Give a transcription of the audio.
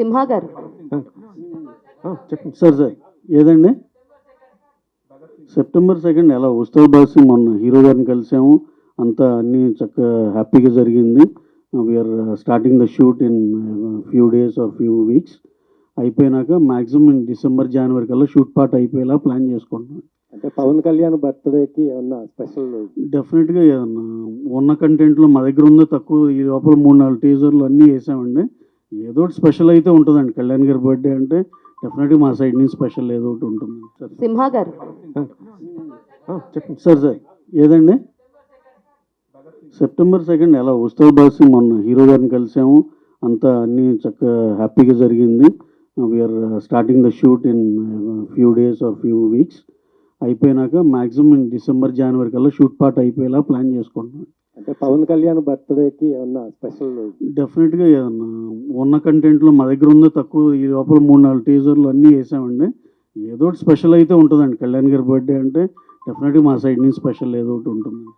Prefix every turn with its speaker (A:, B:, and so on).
A: సింహా గారు.
B: చెప్పండి సార్. ఏదండి సెప్టెంబర్ 2 ఎలా ఉత్సవ్ బాసి మొన్న హీరో గారిని కలిసాము, అంతా అన్నీ చక్కగా హ్యాపీగా జరిగింది. We're starting the shoot in few days or few weeks. అయిపోయినాక మ్యాక్సిమం డిసెంబర్ జనవరి కల్లా షూట్ పార్ట్ అయిపోయేలా ప్లాన్ చేసుకుంటున్నాం.
C: అంటే పవన్ కళ్యాణ్ బర్త్డేకి ఏమన్నా స్పెషల్?
B: డెఫినెట్గా ఏదన్నా ఉన్న కంటెంట్లో మా దగ్గర ఉందో తక్కువ, ఈ లోపల 3-4 టీజర్లు అన్నీ వేసామండి. ఏదో ఒకటి స్పెషల్ అయితే ఉంటుందండి. కళ్యాణ్ గారి బర్త్డే అంటే డెఫినెట్గా మా సైడ్ నుంచి స్పెషల్ ఏదో ఒకటి ఉంటుంది సార్.
A: సింహా గారు.
B: చెప్పండి సార్. ఏదండి సెప్టెంబర్ 2 ఎలా ఉత్సవ్ బాసి మొన్న హీరో గారిని కలిసాము, అంతా అన్నీ చక్కగా హ్యాపీగా జరిగింది. We're starting the shoot in few days or few weeks. అయిపోయినాక మ్యాక్సిమం డిసెంబర్ జనవరి కల్లా షూట్ పార్ట్ అయిపోయేలా ప్లాన్ చేసుకుంటున్నాం.
C: అంటే పవన్ కళ్యాణ్ బర్త్డేకి ఏమన్నా స్పెషల్?
B: డెఫినెట్గా ఏదన్నా ఉన్న కంటెంట్లో మా దగ్గర ఉందో తక్కువ, ఈ లోపల 3-4 టీజర్లు అన్నీ వేసామండి. ఏదో ఒకటి స్పెషల్ అయితే ఉంటుందండి. కళ్యాణ్ గారి బర్త్డే అంటే డెఫినెట్గా మా సైడ్ నుంచి స్పెషల్ ఏదో ఒకటి ఉంటుంది.